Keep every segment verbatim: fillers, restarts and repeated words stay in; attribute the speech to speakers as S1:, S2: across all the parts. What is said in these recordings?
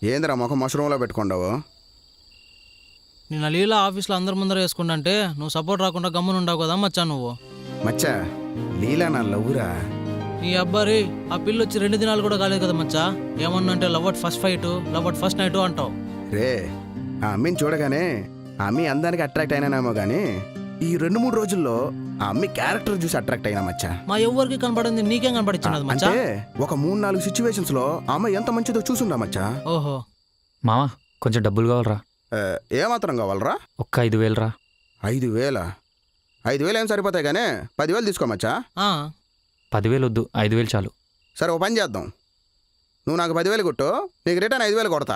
S1: ఏందిరా ముఖం మష్రూమ్లో పెట్టుకుండావు?
S2: నిన్న లీలా ఆఫీస్లో అందరి ముందర వేసుకుంటే నువ్వు సపోర్ట్ రాకుండా గమ్మున ఉండవు కదా మచ్చా నువ్వు.
S1: మచ్చా లీలా నా లవ్వురా.
S2: ఈ అబ్బారి ఆ పిల్ల వచ్చి రెండు దినాలు కూడా కాలేదు కదా మచ్చా. ఏమన్నా అంటే love at first fight, love at first night అంటావు.
S1: రే ఆ అమ్మిని చూడగానే ఆ అమ్మి అందానికి అట్రాక్ట్ అయినానేమో కానీ ఈ రెండు మూడు రోజుల్లో ఆ అమ్మి క్యారెక్టర్ చూసి అట్రాక్ట్ అయినా మచ్చా.
S2: మా ఎవరికి కనపడింది నీకేం కనపడించినది మచ్చా?
S1: అంటే ఒక మూడు నాలుగు సిచ్యువేషన్స్ లో ఆ అమ్మాయి ఎంత మంచిదో చూసుందా మచ్చా.
S2: ఓహో
S3: మావా కొంచెం డబ్బులు కావాలరా.
S1: ఏమాత్రం కావాలరా?
S3: ఒక్క ఐదు వేలు రా.
S1: ఐదు వేల ఐదు వేలు ఏం సరిపోతాయి కానీ పదివేలు తీసుకోమచ్చా.
S3: పదివేలు వద్దు, ఐదు వేలు చాలు.
S1: సరే ఓ పని చేద్దాం, నువ్వు నాకు పదివేలు కొట్టు, నీకు రిటర్న్ ఐదు వేలు కొడతా.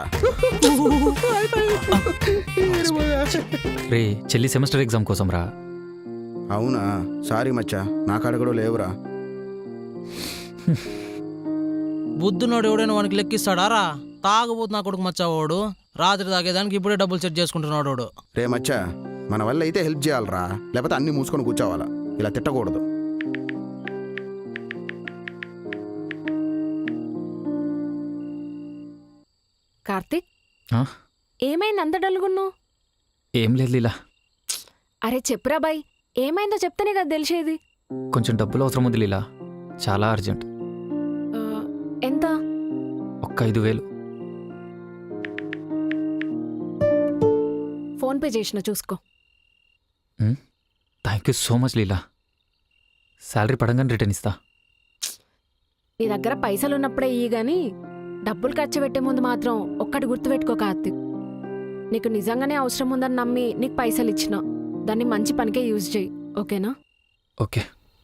S3: రే చెల్లి సెమిస్టర్ ఎగ్జామ్ కోసం రా.
S1: అవునా? సారీ మచ్చా, నా కాడ కూడా లేవురా.
S2: బుద్ధునోడు ఎవడైనా వానికి లెక్కిస్తాడా రా? తాగబోతు నా కొడుకు మచ్చా వాడు. రాత్రి తాగేదానికి ఇప్పుడే డబ్బులు సెట్ చేసుకుంటున్నాడు వాడు.
S1: రే మచ్చా, మన వల్ల అయితే హెల్ప్ చేయాలరా, లేకపోతే అన్ని మూసుకొని కూర్చోవాలా. ఇలా తిట్టకూడదు.
S4: కార్తీక్, ఏమైంది అంత డల్గున్నావు?
S3: ఏం లేదు లీలా.
S4: అరే చెప్పురా బాయ్, ఏమైందో చెప్తేనే కదా తెలిసేది.
S3: కొంచెం డబ్బులు అవసరం ఉంది లీలా, చాలా అర్జెంట్.
S4: ఎంత?
S3: ఒక్క ఐదు వేలు.
S4: ఫోన్పే చేసిన చూసుకో.
S3: Thank you so much Leela. Salary పడంగానే రిటర్న్ ఇస్తా.
S4: నీ దగ్గర పైసలు ఉన్నప్పుడే ఇయ్యి గాని డబ్బులు ఖర్చు పెట్టే ముందు మాత్రం ఒక్కటి గుర్తుపెట్టుకో కార్తీక్. నీకు నిజంగానే అవసరం ఉందని నమ్మి నీకు పైసలు ఇచ్చిన దాన్ని మంచి పనికే యూజ్ చేయి, ఓకేనా?
S3: ఓకే.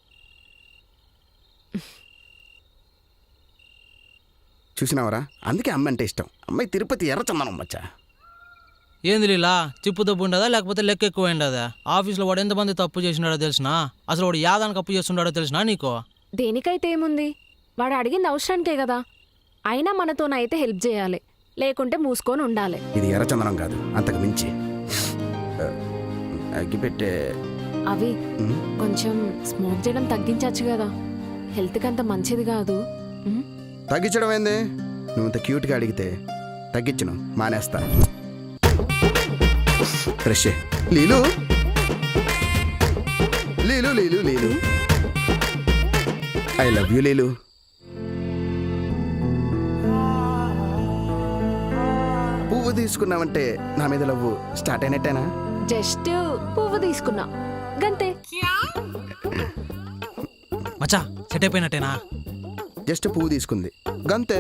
S1: చూసినావరా, అందుకే అమ్మ అంటే ఇష్టం. అమ్మాయి తిరుపతి ఎర్రచందనం మచ్చా.
S2: ఏంది లీలా, చిప్పు తప్పు ఉండదా లేకపోతే లెక్క ఎక్కువ ఉండదా? ఆఫీస్లో వాడు ఎంతమంది తప్పు చేసినాడో తెలిసినా? అసలు వాడు యాదానికి అప్పు చేస్తున్నాడో తెలిసినా నీకు?
S4: దేనికైతే ఏముంది, వాడు అడిగింది అవసరానికే కదా. అయినా మనతోనైతే హెల్ప్ చేయాలి, లేకుంటే మూసుకొని ఉండాలి.
S1: ఇది ఎర్రచందనం కాదు, అంతకు మించి. అగ్గిపెట్టే
S4: అవి కొంచెం స్మోక్ చేయడం తగ్గించచ్చు కదా, హెల్త్కి అంత మంచిది కాదు.
S1: తగ్గించడం ఏంది? నువ్వు ఇంత క్యూట్గా అడిగితే తగ్గించను మానేస్తా. Fresh Leelu Leelu Leelu Leelu I love you Leelu. పువ్వు తీసుకున్నావంటే నా మీద లవ్ స్టార్ట్ అయినట్టేనా?
S4: జస్ట్ పువ్వు తీసుకున్నా గంతే.
S2: మచ్చా సెట్ అయిపోయినట్టేనా?
S1: జస్ట్ పువ్వు తీసుకుంది గంతే.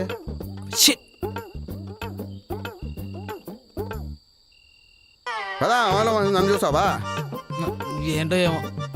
S1: కదా నన్ను చూసావా?
S2: ఏంటో ఏమో,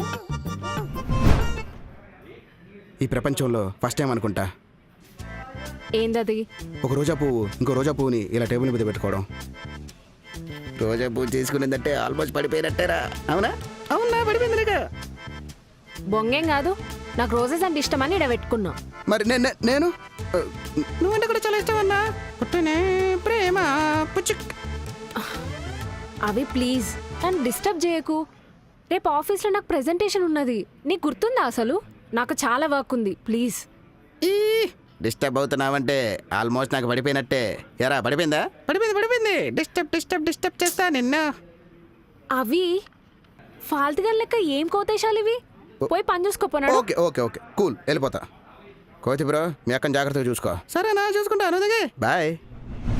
S1: ఈ ప్రపంచంలో ఫస్ట్ టైం అనుకుంటా
S4: ఏందది?
S1: ఒక రోజా పువ్వు ఇంకో రోజా పువ్వుని ఇలా టేబుల్ మీద పెట్టుకోవడం. రోజా పువ్వు తీసుకునేదంటే ఆల్మోస్ట్ పడిపోయినట్టేరా. అవునా? అవునా? పడిపోయిందిగా.
S4: బొంగేం కాదు, నాకు రోజెస్ అంటే ఇష్టమని ఇక్కడ పెట్టుకున్నా.
S1: మరి నేను నువ్వంటే కూడా చాలా ఇష్టం అన్నా. ప్రేమ
S4: అవి ప్లీజ్ నన్ను డిస్టర్బ్ చేయకు. రేపు ఆఫీస్లో నాకు ప్రెజెంటేషన్ ఉన్నది, నీకు గుర్తుందా? అసలు నాకు చాలా వర్క్ ఉంది, ప్లీజ్.
S1: ఈ డిస్టర్బ్ అవుతున్నావంటే ఆల్మోస్ట్ నాకు పడిపోయినట్టే. ఎరా పడిపోయిందా? పడిపోయింది పడిపోయింది. డిస్టర్బ్ డిస్టర్బ్ డిస్టర్బ్ చేస్తా నిన్న.
S4: అవి ఫాల్తుగా లెక్క ఏం కోతేశాలు ఇవి? పోయి పని చూసుకోపోనాడు.
S1: ఓకే ఓకే ఓకే కూల్, వెళ్ళిపోతా. కోతి బ్రో, మీ అక్కని జాగ్రత్తగా చూసుకో. సరేనా? చూసుకుంటాను. బాయ్.